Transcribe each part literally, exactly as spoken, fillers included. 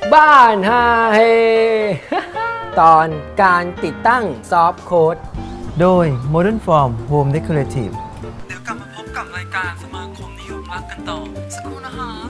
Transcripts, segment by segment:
บ้านฮาเฮ ตอนการติดตั้งซอฟต์โค้ดโดย Modern Form Home Decorative เดี๋ยวกลับมาพบกับรายการสมาคมนิยมรักกันต่อสักครู่นะฮะ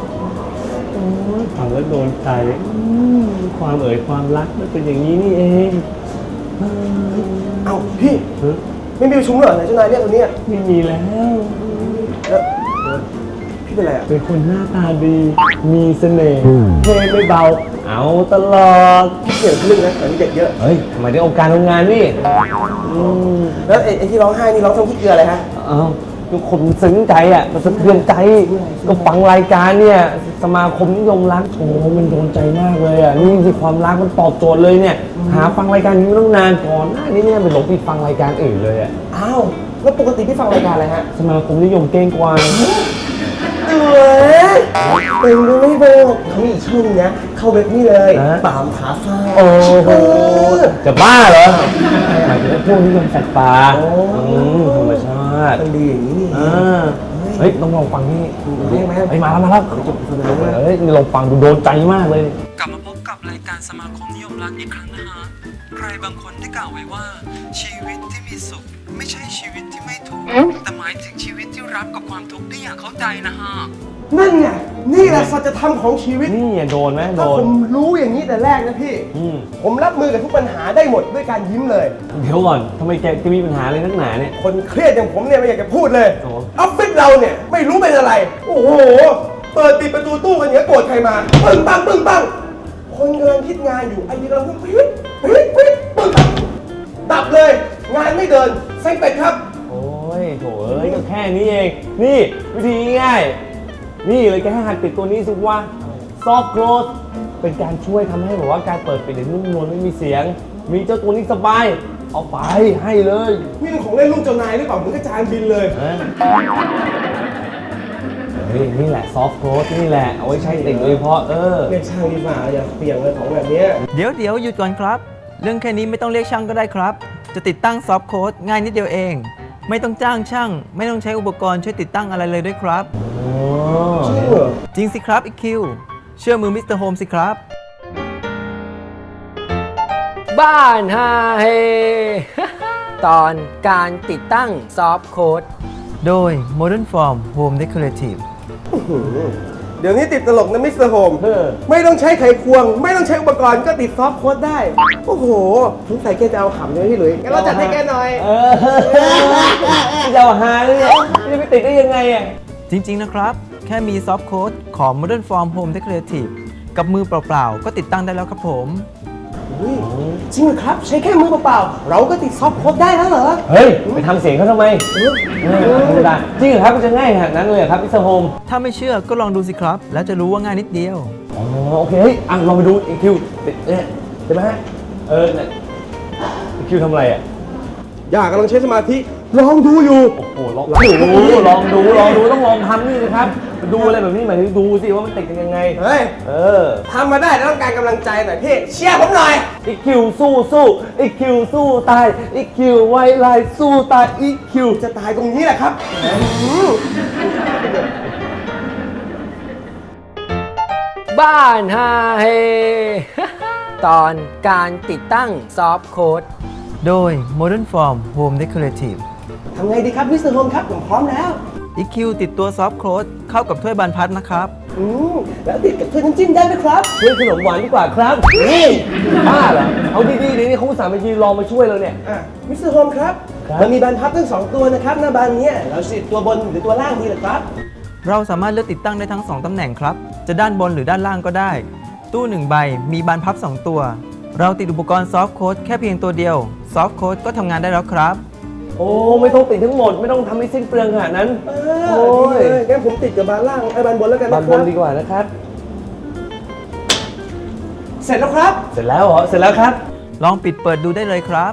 ฟังแล้วโดนใจความเอ่ยความรักมันเป็นอย่างนี้นี่เองเอ้าพี่ไม่มีประชุมเหรอไหนเจ้านายเรียกตัวเนี้ยไม่มีแล้วแล้วพี่เป็นอะไรอ่ะเป็นคนหน้าตาดีมีเสน่ห์เพลงไม่เบาเอาตลอดพี่เกี่ยวกับเรื่องนะแต่นี่เด็กเยอะเฮ้ยทำไมได้องค์การทำงานนี่แล้วไอ้ที่ร้องไห้นี่ร้องทำขี้เกลืออะไรฮะเอ้าทุกคนซึ้งใจอ่ะมันสะเทือนใจก็ฟังรายการเนี่ยสมาคมนิยมรักโอ้มันโดนใจมากเลยอ่ะนี่คือความรักมันตอบโจทย์เลยเนี่ยหาฟังรายการนี้ไม่ต้องนานก่อนหน้านี้เนี่ยไปหลงไปฟังรายการอื่นเลยอ่ะอ้าวแล้วปกติพี่ฟังรายการอะไรฮะสมาคมนิยมเก้งกวางเอ๋เป็นดูไม่บอกเขามีช่องนะเข้าเว็บนี่เลยปามขาฟ้าโอ้โหจะบ้าเหรอหมายถึงพวกนิยมสัตว์ป่าธรรมชาติมันดีอย่างนี้นี่เฮ้ยต้องลองฟังนี่เรียกไหมเฮ้ยมาแล้วมาแล้วเฮ้ยนี่ลองฟังดูโดนใจมากเลยกลับมาพบกับรายการสมาคมนิยมรักอีกครั้งนะฮะใครบางคนได้กล่าวไว้ว่าชีวิตที่มีสุขไม่ใช่ชีวิตที่ไม่ทุกข์แต่หมายถึงชีวิตที่รับกับความทุกข์ได้อย่างเข้าใจนะฮะนั่นไงนี่แหละสัจธรรมของชีวิตนี่โดนไหมโดนถ้าผมรู้อย่างนี้แต่แรกนะพี่ผมรับมือกับทุกปัญหาได้หมดด้วยการยิ้มเลยเดี๋ยวก่อนทำไมแกจะมีปัญหาอะไรนักหนาเนี่ยคนเครียดอย่างผมเนี่ยไม่อยากจะพูดเลยออฟฟิศเราเนี่ยไม่รู้เป็นอะไรโอ้โหเปิดปิดประตูตู้กันอย่างนี้โกรธใครมาปึ้งปังปึ้งปังคนกำลังคิดงานอยู่ไอ้นี่กำลังพูดปิ๊ดปิ๊ดปิ๊ดปึ้งดับเลยงานไม่เดินเซ็งเป็ดครับโอ้ยโถเอ้ยก็แค่นี้เองนี่วิธีง่ายนี่เลยแค่หัดปิดตัวนี้สิว่า Soft Close เป็นการช่วยทำให้แบบว่าการเปิดปิดได้นุ่มนวลไม่มีเสียงมีเจ้าตัวนี้สบายเอาไปให้เลยนี่เป็นของเล่นลูกเจ้านายหรือเปล่าเหมือนกระจายบินเลยเฮ้ยนี่แหละ Soft Close นี่แหละเอาไว้ใช้ติดโดยเฉพาะเออเรียกช่างดีกว่าอย่าเปลี่ยนเลยของแบบนี้เดี๋ยวเดี๋ยวหยุดก่อนครับเรื่องแค่นี้ไม่ต้องเรียกช่างก็ได้ครับจะติดตั้งซอฟต์โค้ดง่ายนิดเดียวเองไม่ต้องจ้างช่างไม่ต้องใช้อุปกรณ์ช่วยติดตั้งอะไรเลยด้วยครับจริงเหรอจริงสิครับอีคิวเชื่อมือมิสเตอร์โฮมสิครับบ้านฮาเฮ ตอนการติดตั้งซอฟต์โค้ดโดย Modern Form Home Decorative เดี๋ยวนี้ติดตลกนะมิสเตอร์โฮมไม่ต้องใช้ไขควงไม่ต้องใช้อุปกรณ์ก็ติดซอฟต์โค้ดได้โอ้โหสงสัยแกจะเอาขำใช่ไหมพี่หลุยงั้นเราจัดให้แกหน่อยเออจะเอาหาเลยจะไปติดได้ยังไงอ่ะจริงๆนะครับแค่มีซอฟต์โค้ดของ Modern Form Home Decorative กับมือเปล่าๆก็ติดตั้งได้แล้วครับผมจริงเหรอครับใช้แค่มือเปล่าๆเราก็ติดซอฟต์โค้ดได้แล้วเหรอเฮ้ยไปทำเสียงเขาทำไมไม่ได้จริงเหรอครับมันจะง่ายขนาดนั้นเลยครับมิสเตอร์โฮมถ้าไม่เชื่อก็ลองดูสิครับแล้วจะรู้ว่าง่ายนิดเดียวอ๋อโอเคเฮ้ยอ่ะลองไปดูอีคิวเนี่ยใช่ไหมฮะเออเนี่ยอีคิวทำอะไรอ่ะอยากกำลังใช้สมาธิลองดูอยู่โอ้โหลองดูลองดูลองดูต้องลองทำนี่นะครับดูอะไรแบบนี้หมายถึงดูสิว่ามันติดกันยังไงเฮ้ยเออทำมาได้แต่ต้องการกำลังใจหน่อยพี่เชียร์ผมหน่อยอีคิวสู้สู้อีคิวสู้ตายอีคิวไว้ลายสู้ตายอีคิวจะตายตรงนี้แหละครับบ้านฮาเฮ ตอนการติดตั้งซอฟต์โค้ดโดย Modern Form Home Decorative ทำไงดีครับมิสเตอร์โฮมครับผมพร้อมแล้วอี คิว ติดตัวซอฟต์โค้ดเข้ากับถ้วยบานพัดนะครับอืมแล้วติดกับถ้วยน้ำจิ้มได้ไหมครับถ้วยขนมหวานดีกว่าครับนี่บ้าเหรอเอาดีๆเดี๋ยวนี้เขาอุตส่าห์มายืนรอมาช่วยเราเนี่ยอ่ะมิสเตอร์โฮมครับมันมีบานพับทั้งสองตัวนะครับหน้าบานนี้เราติดตัวบนหรือตัวล่างดีหรือครับเราสามารถเลือกติดตั้งได้ทั้งสองตำแหน่งครับจะด้านบนหรือด้านล่างก็ได้ตู้หนึ่งใบมีบานพับสองตัวเราติดอุปกรณ์ซอฟต์โค้ดแค่เพียงตัวเดียวซอฟต์โค้ดก็ทำงานได้แล้วครับโอ้ไม่ต้องติดทั้งหมดไม่ต้องทำให้สิ้นเปลืองขนาดนั้นโอ้ยงั้นผมติดกับบานล่างไอ้บานบนแล้วกันนะครับบานบนดีกว่านะครับเสร็จแล้วครับเสร็จแล้วเหรอเสร็จแล้วครับลองปิดเปิดดูได้เลยครับ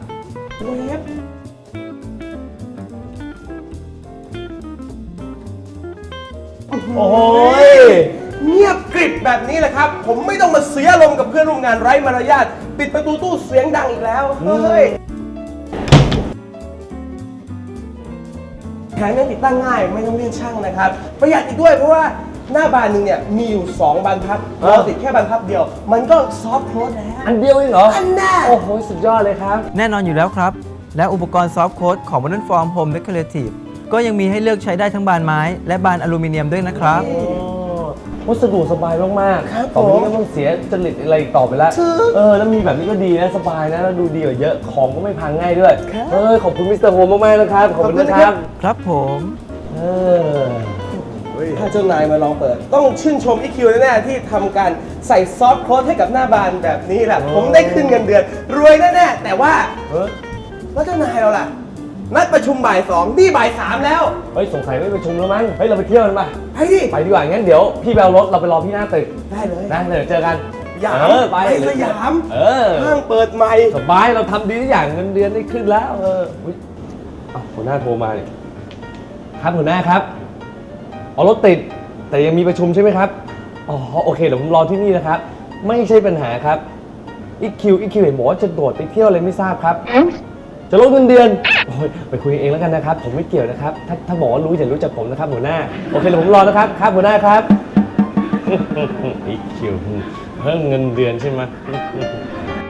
โอ้ยเงียบกริบแบบนี้แหละครับผมไม่ต้องมาเสียลมกับเพื่อนร่วมงานไร้มารยาทปิดประตูตู้เสียงดังอีกแล้วเฮ้ยแถมยังติดตั้งง่ายไม่ต้องเรียกช่างนะครับประหยัดอีกด้วยเพราะว่าหน้าบานหนึ่งเนี่ยมีอยู่สองบานพับเออเราติดแค่บานพับเดียว มันก็ซอฟต์โคลสแล้วอันเดียวเองเหรออันแน่โอ้โห สุดยอดเลยครับแน่นอนอยู่แล้วครับ และอุปกรณ์ซอฟต์โค้ดของ Modern Form Home Decorative ก็ยังมีให้เลือกใช้ได้ทั้งบานไม้ และบานอลูมิเนียมด้วยนะครับโอ้วัสดุสบายมากครับๆต่อไปผมนี้ก็ต้องเสียจริตอะไรอีกต่อไปแล้วถูกเออ แล้วมีแบบนี้ก็ดีนะ สบายนะ แล้วดูดีกว่าเยอะ ของก็ไม่พังง่ายด้วยครับเออ ขอบคุณมิสเตอร์โฮมมากๆนะครับ ขอบคุณนะครับครับผมเออถ้าเจ้านายมาลองเปิด ต้องชื่นชม อี คิว แน่ๆที่ทำการใส่ซอฟต์โคลสให้กับหน้าบานแบบนี้แหละโอ้ผมได้ขึ้นเงินเดือน รวยแน่ๆแต่ว่าเออแล้วเจ้านายเราล่ะ นัดประชุมบ่ายสองนี่บ่ายสามแล้วเฮ้ย สงสัยไม่ประชุมแล้วมั้ง เฮ้ย เราไปเที่ยวกันป่ะไปดิไปดีกว่า งั้นเดี๋ยวพี่ไปเอารถ เราไปรอพี่หน้าตึกได้เลยนะเดี๋ยวเจอกันยามเออ ไปไปสยามเออห้างเปิดใหม่สบาย เราทำดีทุกอย่างเงินเดือนได้ขึ้นแล้ว เอออุ๊ยอ้าวหัวหน้าโทรมาเนี่ยครับหัวหน้าครับอ๋อรถติด แต่ยังมีประชุมใช่ไหมครับ อ๋อ โอเค เดี๋ยวผมรอที่นี่นะครับ ไม่ใช่ปัญหาครับ อีคิว อีคิวเห็นบอกว่าจะโดดไปเที่ยวอะไรไม่ทราบครับ จะลดเงินเดือน โอ้ยไปคุยเองแล้วกันนะครับ ผมไม่เกี่ยวนะครับ ถ้าถ้าบอกว่ารู้อย่ารู้จักผมนะครับหัวหน้า โอเค เดี๋ยวผมรอนะครับ ครับหัวหน้าครับ อีคิวเพิ่มเงินเดือนใช่ไหม